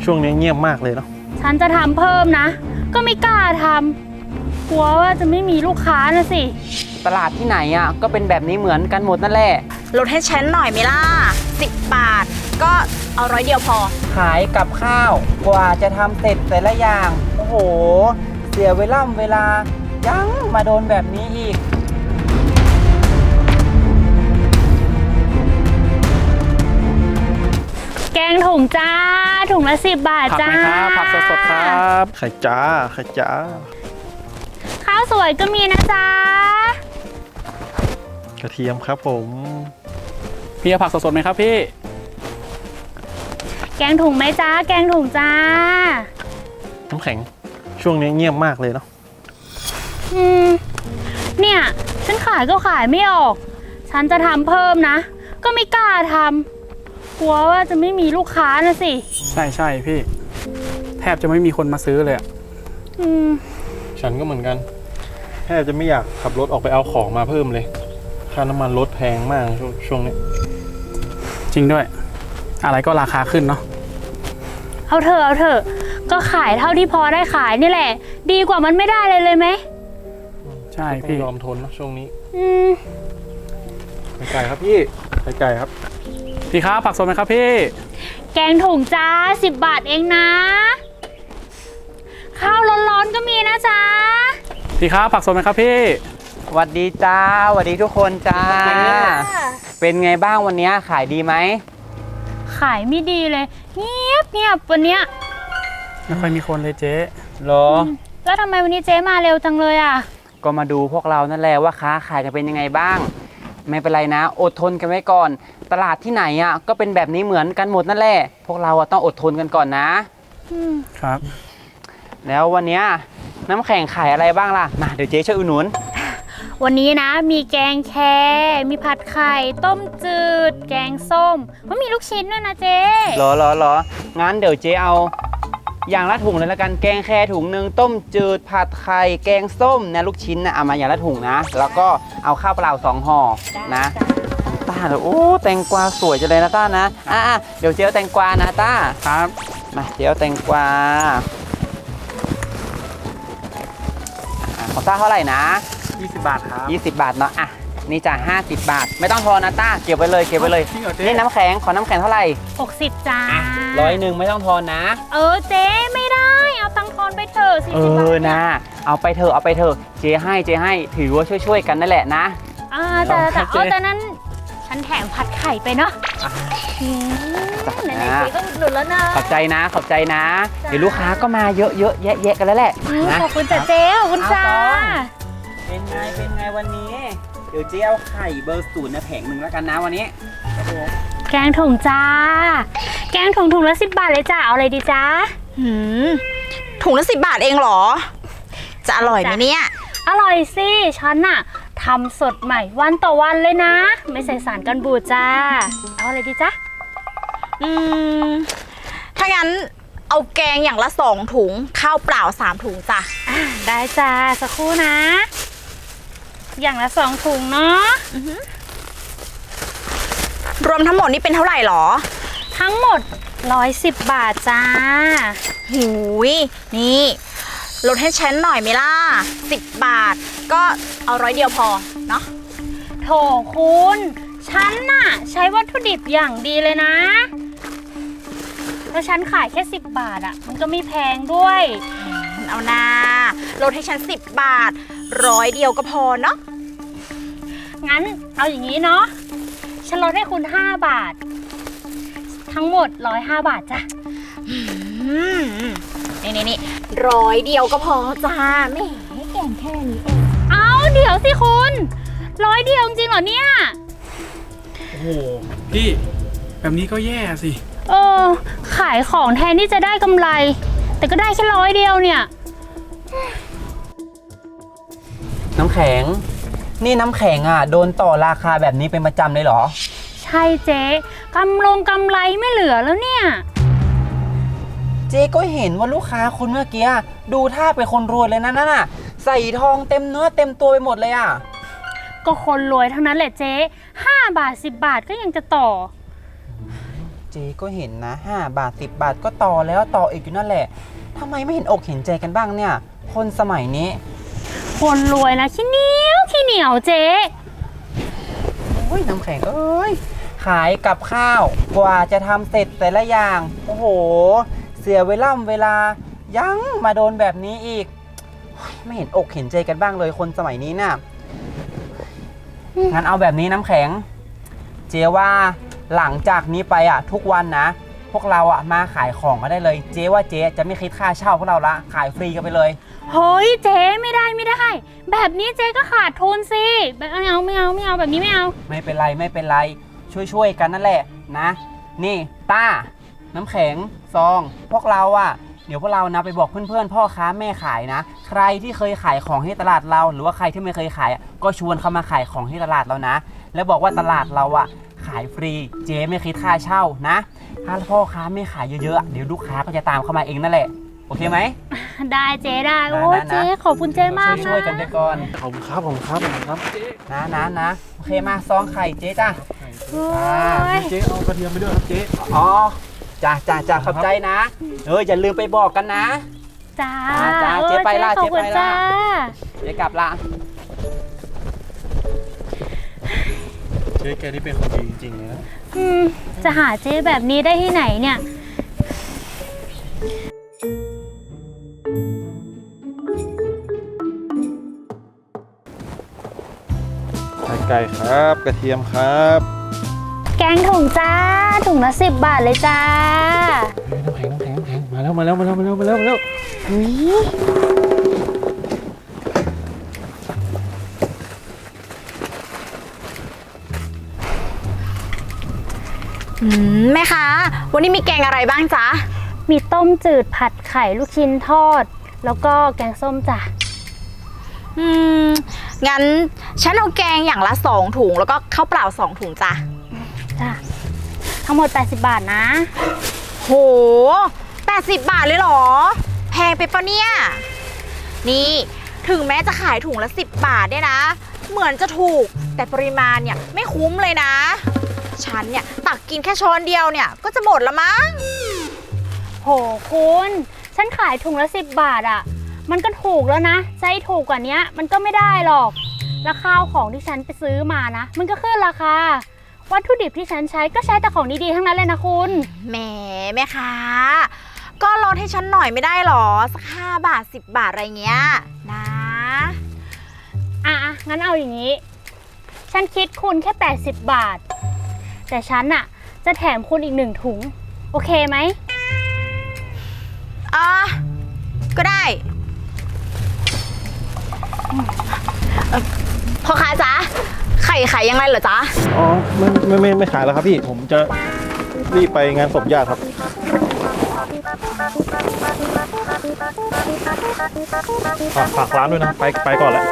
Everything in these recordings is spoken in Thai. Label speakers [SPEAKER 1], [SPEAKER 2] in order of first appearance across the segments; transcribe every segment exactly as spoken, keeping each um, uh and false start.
[SPEAKER 1] ช่วงนี้เงียบมากเลยเนาะ
[SPEAKER 2] ฉันจะทำเพิ่มนะก็ไม่กล้าทำกลัวว่าจะไม่มีลูกค้านะสิ
[SPEAKER 3] ตลาดที่ไหนอ่ะก็เป็นแบบนี้เหมือนกันหมดนั่นแหละ
[SPEAKER 4] ลดให้ฉันหน่อยไหมล่ะสิบบาทก็เอาร้อยเดียวพอ
[SPEAKER 3] ขายกับข้าวกว่าจะทำเสร็จแต่ละอย่างโอ้โหเสียเวลาเวลายังมาโดนแบบนี้อีก
[SPEAKER 2] แกงถุงจ้าถุงละสิบบาทจ้า
[SPEAKER 1] ผักไหมครับผักสดๆครับไข่จ้าไข่จ้า
[SPEAKER 2] ข้าวสวยก็มีนะจ๊ะ
[SPEAKER 1] กระเทียมครับผม
[SPEAKER 5] พี่เอาผักสดๆไหมครับพี่
[SPEAKER 2] แกงถุงไหมจ้าแกงถุงจ้า
[SPEAKER 1] น้ำแข็งช่วงนี้เงียบมากเลยเนาะ
[SPEAKER 2] อืมเนี่ยฉันขายก็ขายไม่ออกฉันจะทำเพิ่มนะก็ไม่กล้าทำกลัวว่าจะไม่มีลูกค้านะสิ
[SPEAKER 5] ใช่ใช่พี่แทบจะไม่มีคนมาซื้อเลยอ่ะ
[SPEAKER 2] อืม
[SPEAKER 1] ฉันก็เหมือนกันแทบจะไม่อยากขับรถออกไปเอาของมาเพิ่มเลยค่าน้ำมันรถแพงมากช่วงช่วงนี้
[SPEAKER 5] จริงด้วยอะไรก็ราคาขึ้นเนาะ
[SPEAKER 2] เอาเถอะเอาเถอะก็ขายเท่าที่พอได้ขายนี่แหละดีกว่ามันไม่ได้เลยเลยไหม
[SPEAKER 5] ใช่พี่
[SPEAKER 1] ยอมทนนะช่วงนี้
[SPEAKER 2] อืม
[SPEAKER 1] ไข่ไก่ครับพี่ไข่ไก่ครับ
[SPEAKER 5] พี่ครับผักสดไหมครับพี่
[SPEAKER 2] แกงถุงจ้าสิบบาทเองนะข้าวร้อนๆก็มีนะจ๊ะ
[SPEAKER 5] พี่ครับผักสดไหมครับพี่
[SPEAKER 3] สวัสดีจ้าสวัสดีทุกคนจ้าเป็นไงบ้างวันนี้ขายดีไหม
[SPEAKER 2] ขายไม่ดีเลยเงียบเงียบวันเนี้ย
[SPEAKER 5] ไม่ค่อยมีคนเลยเจ๊
[SPEAKER 3] หรอ
[SPEAKER 2] แล้วทำไมวันนี้เจ๊มาเร็วจังเลยอ่ะ
[SPEAKER 3] ก็มาดูพวกเรานั่นแหละว่าค้าขายจะเป็นยังไงบ้างไม่เป็นไรนะอดทนกันไว้ก่อนตลาดที่ไหนอ่ะก็เป็นแบบนี้เหมือนกันหมดนั่นแหละพวกเราต้องอดทนกันก่อนนะครับแล้ววันนี้น้ำแข็งขายอะไรบ้างล่ะมาเดี๋ยวเจ๊ช่วยอุดหนุน
[SPEAKER 2] วันนี้นะมีแกงแคมีผัดไข่ต้มจืดแกงส้มก็มีลูกชิ้นด้วยนะเจ๊
[SPEAKER 3] หรอหรอหรองั้นเดี๋ยวเจ๊เอาอย่างละถุงเลยละกันแกงแคถุงหนึ่งต้มจืดผัดไข่แกงส้มนะลูกชิ้นนะเอามาอย่างละถุงนะแล้วก็เอาข้าวเปล่าสองห่อนะต้าเดี๋ยวโอ้แตงกวาสวยจังเลยนะต้านะอ่ะเดี๋ยวเจ๊เอาแตงกวานะต้า
[SPEAKER 5] ครับ
[SPEAKER 3] มาเจ๊เอาแตงกวาของต้าเท่าไหร่นะ
[SPEAKER 5] ยี่สิบบาทครับ
[SPEAKER 3] ยี่สิบบาทเนาะอ่ะนี่จ้ะห้าสิบบาทไม่ต้องทอนนะต้าเก็บไว้เลยเก็บไว้เลยนี่น้ำแข็งขอน้ำแข็งเท่าไหร่
[SPEAKER 2] หกสิบจ้า
[SPEAKER 3] ร้อยหนึ่งไม่ต้องทอนนะ
[SPEAKER 2] เออเจ๊ไม่ได้เอาตังทอนไปเถอะสิ
[SPEAKER 3] เออนะเอาไปเถอะเอาไปเถอะเจ๊ให้เจ๊ให้ถือว่าช่วยๆกันนั่นแหละนะ
[SPEAKER 2] อ่าแต่แต่เอาแต่นั้นฉันแถมผัดไข่ไปเนาะไหนๆเจ๊ก็หลุดแล้วนะ
[SPEAKER 3] ขอบใจนะขอบใจนะเดี๋ยวลูกค้าก็มาเยอะๆแยะๆกันแล้วแหละ
[SPEAKER 2] ขอบคุณจ้ะเจ๊ขอบคุณจ้า
[SPEAKER 3] เป็นไงเป็นไงวันนี้เดี๋ยวเจ๊เอาไข่เบอร์ศูนย์นะแผงหนึ่งแล้วกันนะวันนี้
[SPEAKER 2] แกงถุงจ้าแกงถุงถุงละสิบบาทเลยจ้าเอาอะไรดีจ้า
[SPEAKER 4] หืมถุงละสิบบาทเองเหรอจะอร่อยไหมเนี่ย
[SPEAKER 2] อร่อยสิฉันน่ะทำสดใหม่วันต่อวันเลยนะไม่ใส่สารกันบูดจ้าเอาอะไรดีจ้า
[SPEAKER 4] อืมถ้างั้นเอาแกงอย่างละสองถุงข้าวเปล่าสามถุงจ้ะ
[SPEAKER 2] ได้จ้าสักครู่นะอย่างละสองถุงเนาะ
[SPEAKER 4] รวมทั้งหมดนี่เป็นเท่าไหร่หรอ
[SPEAKER 2] ทั้งหมดร้อยสิบบาทจ้า
[SPEAKER 4] หูยนี่ลดให้ฉันหน่อยไหมล่ะสิบบาทก็เอาร้อยเดียวพอเนาะ
[SPEAKER 2] โถคุณฉันน่ะใช้วัตถุดิบอย่างดีเลยนะแล้วฉันขายแค่สิบบาทอ่ะมันก็ไม่แพงด้วย
[SPEAKER 4] เอานาลดให้ฉันสิบบาทร้อยเดียวก็พอเนาะ
[SPEAKER 2] งั้นเอาอย่างนี้เนาะฉันลดให้คุณห้าบาททั้งหมดร้อยห้าบาทจ้ะ
[SPEAKER 4] นี่นี่นี่ร้อยเดียวก็พอจ้าไม่ให้แกงแค่นี้เอง
[SPEAKER 2] เอาเดี๋ยวสิคุณร้อยเดียวจริงเหรอเนี่ย
[SPEAKER 5] โอ้โหพี่แบบนี้ก็แย่สิ
[SPEAKER 2] เออขายของแทนที่จะได้กำไรแต่ก็ได้แค่ร้อยเดียวเนี่ย
[SPEAKER 3] น้ำแข็งนี่น้ำแข็งอ่ะโดนต่อราคาแบบนี้เป็นประจำเลยเหรอ
[SPEAKER 2] ใช่เจ๊กำลงกำไรไม่เหลือแล้วเนี่ย
[SPEAKER 3] เจ๊ก็เห็นว่าลูกค้าคนเมื่อกี้ดูท่าเป็นคนรวยเลยนะนั่นน่ะใส่ทองเต็มเนื้อเต็มตัวไปหมดเลยอ่ะ
[SPEAKER 2] ก็คนรวยเท่านั้นแหละเจ๊ห้าบาทสิบบาทก็ยังจะต่อ
[SPEAKER 3] จเจ๊ก็เห็นนะห้าบาทสิบบาทก็ต่อแล้วต่ออีกอยู่นั่นแหละทำไมไม่เห็นอกเห็นใจกันบ้างเนี่ยคนสมัยนี้
[SPEAKER 2] คนรวยนะขี้เหนียวขี้เหนียวเจ๊
[SPEAKER 3] โอ้ยน้ำแข็งเอ้ยขายกับข้าวกว่าจะทำเสร็จแต่ละอย่างโอ้โหเสียเวลาเวลายังมาโดนแบบนี้อีกโอ้ยไม่เห็นอกเห็นใจกันบ้างเลยคนสมัยนี้น่ะงั้นเอาแบบนี้น้ำแข็งเจ๊ว่าหลังจากนี้ไปอ่ะทุกวันนะพวกเราอ่ะมาขายของก็ได้เลยเจ๊ว่าเจ๊จะไม่คิดค่าเช่าพวกเราละขายฟรีกันไปเลย
[SPEAKER 2] เฮ้ยเจ๊ไม่ได้ไม่ได้ แบบนี้เจ๊ก็ขาดทุนสิแบบไม่เอาไม่เอาไม่เอาแบบนี้ไม่เอา
[SPEAKER 3] ไม่เป็นไรไม่เป็นไรช่วยๆกันนั่นแหละนะนี่ต้าน้ำแข็งซองพวกเราอ่ะเดี๋ยวพวกเรานะไปบอกเพื่อนๆพ่อค้าแม่ขายนะใครที่เคยขายของที่ตลาดเราหรือว่าใครที่ไม่เคยขายก็ชวนเขามาขายของที่ตลาดเรานะแล้วบอกว่าตลาดเราอ่ะขายฟรีเจ๊ไม่คิดค่าเช่านะถ้าพ่อค้าไม่ขายเยอะๆเดี๋ยวลูกค้าก็จะตามเข้ามาเองนั่นแหละโอเคไหม
[SPEAKER 2] ได้เจ๊ได้โอ้
[SPEAKER 3] นะนะ
[SPEAKER 2] เจ๊ขอบคุณเจ๊มากนะ
[SPEAKER 3] ช่วยๆกันไปก่อน
[SPEAKER 1] ขอบคุณครับขอบคุณครับขอบคุณครับ
[SPEAKER 3] นะนะนะโอเคมาซองไข่เจ๊จ้า
[SPEAKER 2] โอ้
[SPEAKER 3] อ่า
[SPEAKER 2] ย
[SPEAKER 1] เจ๊เอากระเทียมไปด้วยครับเจ๊
[SPEAKER 3] อ๋อจ้าจ้าจ้าขอบใจนะเอออย่าลืมไปบอกกันนะ
[SPEAKER 2] จ้า
[SPEAKER 3] อ่าจ้า
[SPEAKER 2] ออ
[SPEAKER 3] เจ๊ไปละ
[SPEAKER 2] ขอบคุณ
[SPEAKER 3] เจ๊ไปละ
[SPEAKER 2] จ้า
[SPEAKER 3] เจ๊กลับละ
[SPEAKER 1] เจ๊แกนี่เป็นคนดีจริงๆเลยนะ
[SPEAKER 2] อืมจะหาเจ๊แบบนี้ได้ที่ไหนเนี่ย
[SPEAKER 1] ไข่ไก่ครับกระเทียมครับ
[SPEAKER 2] แกงถุงจ้าถุงละสิบบาทเลยจ้า
[SPEAKER 1] เฮ้ยน้ำแข็งน้ำแข็งน้ำแข็งมาแล้วมาแล้วมาแล้วมาแล้วมาแล้วมาแล้วอุ๊ย
[SPEAKER 4] อืมแม่ค้าวันนี้มีแกงอะไรบ้างจ๊ะ
[SPEAKER 2] มีต้มจืดผัดไข่ลูกชิ้นทอด แล้วก็แกงส้มจ้ะ
[SPEAKER 4] อืมงั้นฉันเอาแกงอย่างละสองถุงแล้วก็ข้าวเปล่าสองถุงจ้ะ
[SPEAKER 2] จ้ะทั้งหมดแปดสิบบาทนะ
[SPEAKER 4] โหแปดสิบบาทเลยเหรอแพงไปปะเนี่ยนี่ถึงแม้จะขายถุงละสิบบาทเนี่ยนะ เหมือนจะถูกแต่ปริมาณเนี่ยไม่คุ้มเลยนะฉันเนี่ยตักกินแค่ช้อนเดียวเนี่ยก็จะหมดละมั้ง
[SPEAKER 2] โหคุณฉันขายถุงละสิบบาทอะ่ะ มันก็ถูกแล้วนะใช้ถูกกว่านี้มันก็ไม่ได้หรอกแล้วข้าวของที่ฉันไปซื้อมานะมันก็ขึ้นราคาวัตถุดิบที่ฉันใช้ก็ใช้แต่ของดีๆทั้งนั้นเลยนะคุณ
[SPEAKER 4] แหมแม่ค้าก็ลดให้ฉันหน่อยไม่ได้หรอสักห้าบาทสิบบาทอะไรเงี้ยนะ
[SPEAKER 2] อ่ะๆงั้นเอาอย่างนี้ ฉันคิดคุณแค่แปดสิบบาทแต่ฉันอะจะแถมคุณอีกหนึ่งถุงโอเคไหม
[SPEAKER 4] อ่ะก็ได้เอ่อพ่อค้าจ๊ะไข่ขายยังไงเหรอจ๊ะ
[SPEAKER 1] อ๋อไม่ไม่ไม่ไม่ขายแล้วครับพี่ผมจะรีบไปงานศพญาติครับฝากฝากร้านด้วยนะไปไปก่อนแล้ว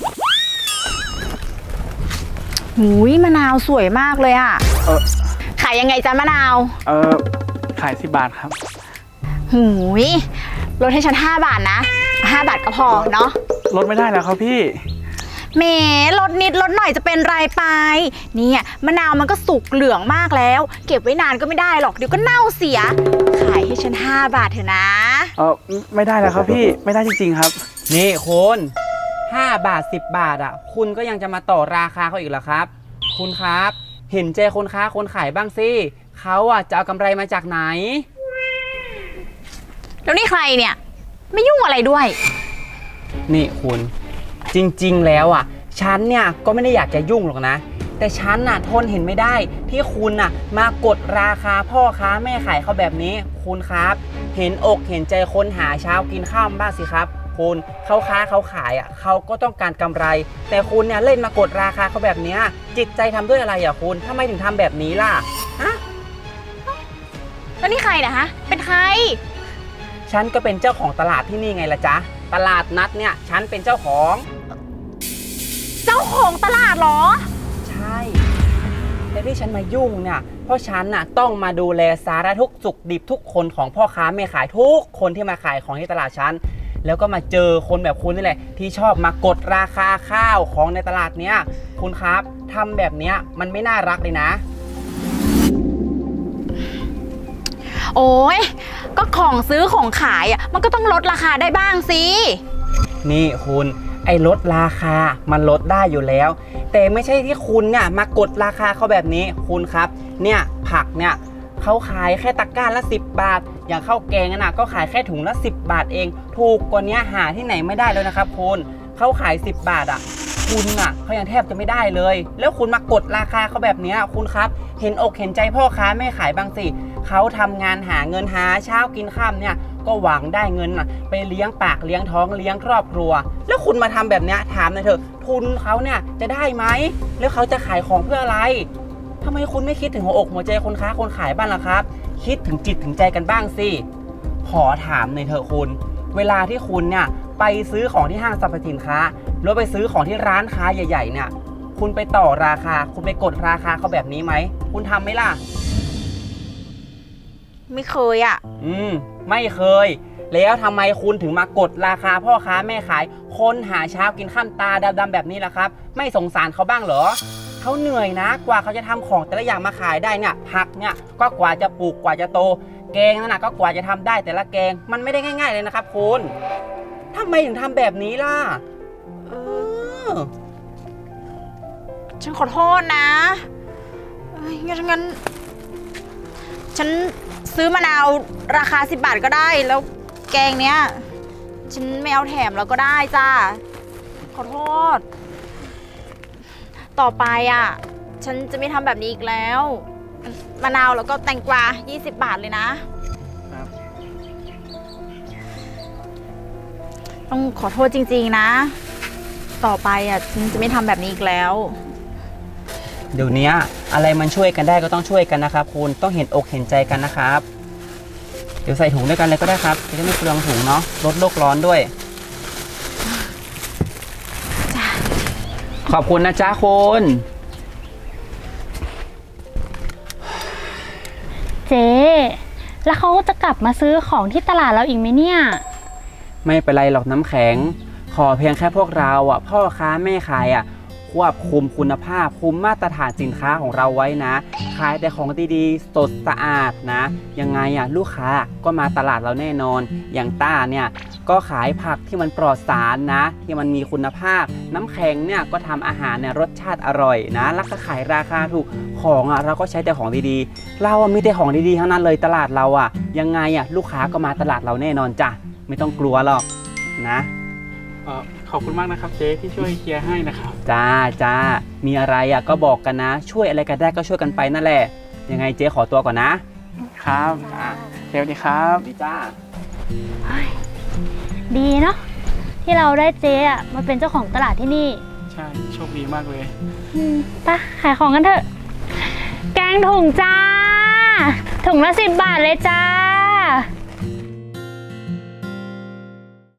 [SPEAKER 4] หูยมะนาวสวยมากเลยอ่ะ
[SPEAKER 5] เออ
[SPEAKER 4] ขายยังไงจ๊ะมะนาว
[SPEAKER 5] เออขายสิบบาทครับ
[SPEAKER 4] หูยลดให้ฉันห้าบาทนะห้าบาทก็พอเนาะ
[SPEAKER 5] ลดไม่ได้แล้วครับพี่
[SPEAKER 4] แหมลดนิดลดหน่อยจะเป็นไรไปเนี่ยมะนาวมันก็สุกเหลืองมากแล้ว เก็บไว้นานก็ไม่ได้หรอกเดี๋ยวก็เน่าเสีย ขายให้ฉันห้าบาทเถอะนะ
[SPEAKER 5] เออไม่ได้แล้วครับพี่ไม่ได้จริงๆครับ
[SPEAKER 3] นี่คุณห้าบาทสิบบาทอ่ะคุณก็ยังจะมาต่อราคาเขาอีกเหรอครับคุณครับเห็นใจคนค้าคนขายบ้างสิเขาอ่ะจะเอากำไรมาจากไหน
[SPEAKER 4] แล้วนี่ใครเนี่ยไม่ยุ่งอะไรด้วย
[SPEAKER 3] นี่คุณจริงๆแล้วอ่ะฉันเนี่ยก็ไม่ได้อยากจะยุ่งหรอกนะแต่ฉันน่ะทนเห็นไม่ได้ที่คุณน่ะมากดราคาพ่อค้าแม่ขายเขาแบบนี้คุณครับเห็นอกเห็นใจคนหาเช้ากินข้าวบ้างสิครับคุณเขาค้าเขาขายอ่ะเขาก็ต้องการกำไร แต่คุณเนี่ยเล่นมากดราคาเขาแบบเนี้ยจิตใจทำด้วยอะไรอ่ะคุณทำไมถึงทำแบบนี้ล่ะฮะ
[SPEAKER 4] แล้วนี่ใครนะฮะเป็นใคร
[SPEAKER 3] ฉันก็เป็นเจ้าของตลาดที่นี่ไงล่ะจ๊ะตลาดนัดเนี่ยฉันเป็นเจ้าของ
[SPEAKER 4] เจ้าของตลาดเหรอ
[SPEAKER 3] ใช่แต่ที่ฉันมายุ่งเนี่ยเพราะฉันน่ะต้องมาดูแลสารทุกข์สุขดิบทุกคนของพ่อค้าแม่ขายทุกคนที่มาขายของที่ตลาดฉันแล้วก็มาเจอคนแบบคุณนี่แหละที่ชอบมากดราคาข้าวของในตลาดเนี้ยคุณครับทำแบบเนี้ยมันไม่น่ารักเลยนะ
[SPEAKER 4] โอ้ยก็ของซื้อของขายอ่ะมันก็ต้องลดราคาได้บ้างสิ
[SPEAKER 3] นี่คุณไอ้ลดราคามันลดได้อยู่แล้ว แต่ไม่ใช่ที่คุณเนี่ยมากดราคาเขาแบบนี้คุณครับเนี่ยผักเนี่ยเขาขายแค่ตะกร้าละสิบบาท อย่างข้าวแกงน่ะก็ขายแค่ถุงละสิบบาทเองถูกกว่านี้หาที่ไหนไม่ได้แล้วนะครับคุณเขาขายสิบบาทอ่ะคุณอ่ะเขายังแทบจะไม่ได้เลยแล้วคุณมากดราคาเขาแบบนี้คุณครับเห็นอกเห็นใจพ่อค้าแม่ขายบ้างสิเขาทำงานหาเงินหาเช้ากินค่ำเนี่ยก็หวังได้เงินน่ะไปเลี้ยงปากเลี้ยงท้องเลี้ยงครอบครัวแล้วคุณมาทำแบบนี้ถามหน่อยเถอะทุนเขาเนี่ยจะได้ไหมแล้วเขาจะขายของเพื่ออะไรทำไมคุณไม่คิดถึงหัวอกหัวใจคนค้าคนขายบ้างล่ะครับคิดถึงจิตถึงใจกันบ้างสิขอถามหน่อยเถอะคุณเวลาที่คุณเนี่ยไปซื้อของที่ห้างสรรพสินค้าหรือไปซื้อของที่ร้านค้าใหญ่ๆเนี่ยคุณไปต่อราคาคุณไปกดราคาเขาแบบนี้ไหมคุณทำไหมล่ะ
[SPEAKER 4] ไม่เคยอ่ะ
[SPEAKER 3] อืมไม่เคยแล้วทำไมคุณถึงมากดราคาพ่อค้าแม่ขายคนหาเช้ากินข้ามตาดำๆแบบนี้ล่ะครับไม่สงสารเขาบ้างเหรอเขาเหนื่อยนะกว่าเขาจะทำของแต่ละอย่างมาขายได้เนี่ยผักเนี่ยก็กว่าจะปลูกกว่าจะโตแกงนั่นนะก็กว่าจะทำได้แต่ละแกงมันไม่ได้ง่ายๆเลยนะครับคุณทำไมถึงทำแบบนี้ล่ะเออ
[SPEAKER 4] ฉันขอโทษนะเอ้ยงั้นงั้นฉันซื้อมะนาวราคาสิบบาทก็ได้แล้วแกงเนี้ยฉันไม่เอาแถมแล้วก็ได้จ้าขอโทษ ต่อไปอ่ะฉันจะไม่ทำแบบนี้อีกแล้วมะนาวแล้วก็แตงกวายี่สิบบาทเลยนะครับ ต้องขอโทษจริงๆนะ ต่อไปอ่ะฉันจะไม่ทำแบบนี้อีกแล้ว
[SPEAKER 3] เดี๋ยวนี้อะไรมันช่วยกันได้ก็ต้องช่วยกันนะครับคุณต้องเห็นอกเห็นใจกันนะครับเดี๋ยวใส่ถุงด้วยกันเลยก็ได้ครับจะได้ไม่เปลืองถุงเนาะลดโลกร้อนด้วยขอบคุณนะจ๊ะคุณ
[SPEAKER 2] เจ๊แล้วเขาจะกลับมาซื้อของที่ตลาดเราอีกไหมเนี่ย
[SPEAKER 3] ไม่เป็นไรหรอกน้ำแข็งขอเพียงแค่พวกเราอ่ะพ่อค้าแม่ขายอ่ะควบคุมคุณภาพคุมมาตรฐานสินค้าของเราไว้นะขายแต่ของดีๆสดสะอาดนะยังไงอ่ะลูกค้าก็มาตลาดเราแน่นอนอย่างต้าเนี่ยก็ขายผักที่มันปลอดสารนะที่มันมีคุณภาพน้ำแข็งเนี่ยก็ทำอาหารเนี่ยรสชาติอร่อยนะแล้วก็ขายราคาถูกของอ่ะเราก็ใช้แต่ของดีๆเราอ่ะมีแต่ของดีๆทั้งนั้นเลยตลาดเราอ่ะยังไงอ่ะลูกค้าก็มาตลาดเราแน่นอนจ้ะไม่ต้องกลัวหรอกนะ
[SPEAKER 5] เอ่อขอบคุณมากนะครับเจ๊ที่ช่วยเคลียร์ให้นะครับ
[SPEAKER 3] จ้าจ้ามีอะไรอ่ะก็บอกกันนะ ช่วยอะไรกันได้ก็ช่วยกันไปนั่นแหละยังไงเจ๊ขอตัวก่อนนะครับ
[SPEAKER 5] อ่าเดี๋ยวดีครับ
[SPEAKER 3] ดีจ้า
[SPEAKER 2] ดีเนาะที่เราได้เจ๊อะมาเป็นเจ้าของตลาดที่นี่
[SPEAKER 5] ใช่โชคดีมากเลย
[SPEAKER 2] อืมไปขายของกันเถอะ แกงถุงจ้า ถุงละสิบบาทเลยจ้า